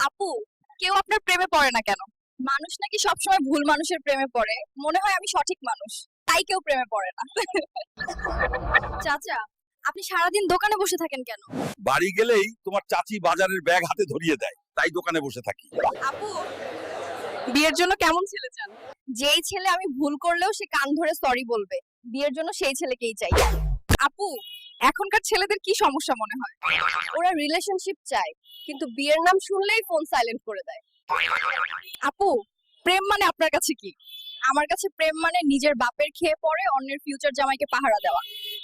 আপু, কেউ আপনার প্রেমে পড়ে না কেন? মানুষ নাকি সবসময় ভুল মানুষের প্রেমে পড়ে। মনে হয় আমি সঠিক মানুষ, তাই কেউ প্রেমে পড়ে না। চাচা, আপনি সারাদিন দোকানে বসে থাকেন কেন? বাড়ি গেলেই তোমার চাচি বাজারের ব্যাগ হাতে ধরিয়ে দেয়, তাই দোকানে বসে থাকি। আপু, বিয়ের জন্য কেমন ছেলে চান? যেই ছেলে আমি ভুল করলেও সে কান ধরে সরি বলবে, বিয়ের জন্য সেই ছেলেকেই চাই। আপু, এখনকার ছেলেদের কি সমস্যা মনে হয়? ওরা রিলেশনশিপ চায়, কিন্তু বিয়ের নাম শুনলেই ফোন সাইলেন্ট করে দেয়। আপু, প্রেম মানে আপনার কাছে কি? আমার কাছে প্রেম মানে নিজের বাপের খেয়ে পড়ে অন্যের ফিউচার জামাইকে পাহারা দেওয়া।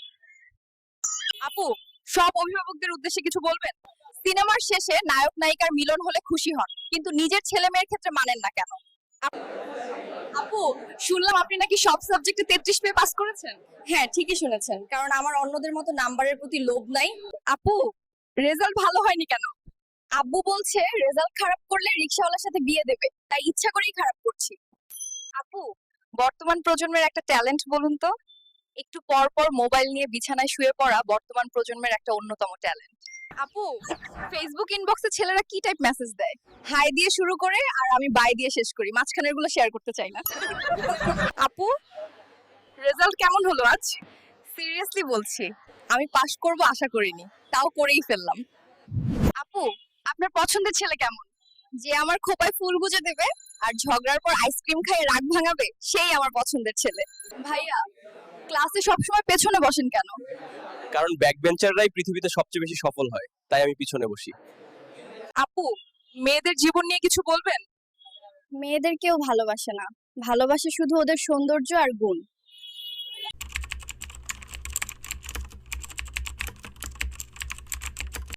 আপু, সব অভিভাবকদের উদ্দেশ্যে কিছু বলবেন? সিনেমার শেষে নায়ক নায়িকার মিলন হলে খুশি হন, কিন্তু নিজের ছেলে মেয়ের ক্ষেত্রে মানেন না কেন? আপু, শুনলাম আপনি নাকি সব সাবজেক্টে 33 পেয়ে পাস করেছেন। হ্যাঁ, ঠিকই শুনেছেন, কারণ আমার অন্যদের মতো নাম্বারের প্রতি লোভ নাই। আপু, রেজাল্ট ভালো হয়নি কেন? আব্বু বলছে রেজাল্ট খারাপ করলে রিকশাওয়ালার সাথে বিয়ে দেবে, তাই ইচ্ছা করেই খারাপ করছি। আপু, বর্তমান প্রজন্মের একটা ট্যালেন্ট বলুন তো? একটু পর পর মোবাইল নিয়ে বিছানায় শুয়ে পড়া বর্তমান প্রজন্মের একটা অন্যতম ট্যালেন্ট। আপু, ফেসবুক ইনবক্সে ছেলেরা কি টাইপ মেসেজ দেয়? হাই দিয়ে শুরু করে আর আমি বাই দিয়ে শেষ করি, মাঝখানের গুলো শেয়ার করতে চাই না। আপু, রেজাল্ট কেমন হলো আজ? সিরিয়াসলি বলছি, আমি পাশ করব আশা করিনি, তাও করেই ফেললাম। আপু, আপনার পছন্দের ছেলে কেমন? যে আমার খোপায় ফুল গুজে দেবে আর ঝগড়ার পর আইসক্রিম খাইয়ে রাগ ভাঙাবে, সেই আমার পছন্দের ছেলে। ভাইয়া, ক্লাসে সবসময় পেছনে বসেন কেন? কারণ ব্যাক বেঞ্চাররাই পৃথিবীতে সবচেয়ে বেশি সফল হয়, তাই আমি পিছনে বসি। আপু, মেয়েদের জীবন নিয়ে কিছু বলবেন? মেয়েদের কেউ ভালোবাসে না, ভালোবাসে শুধু ওদের সৌন্দর্য আর গুণ।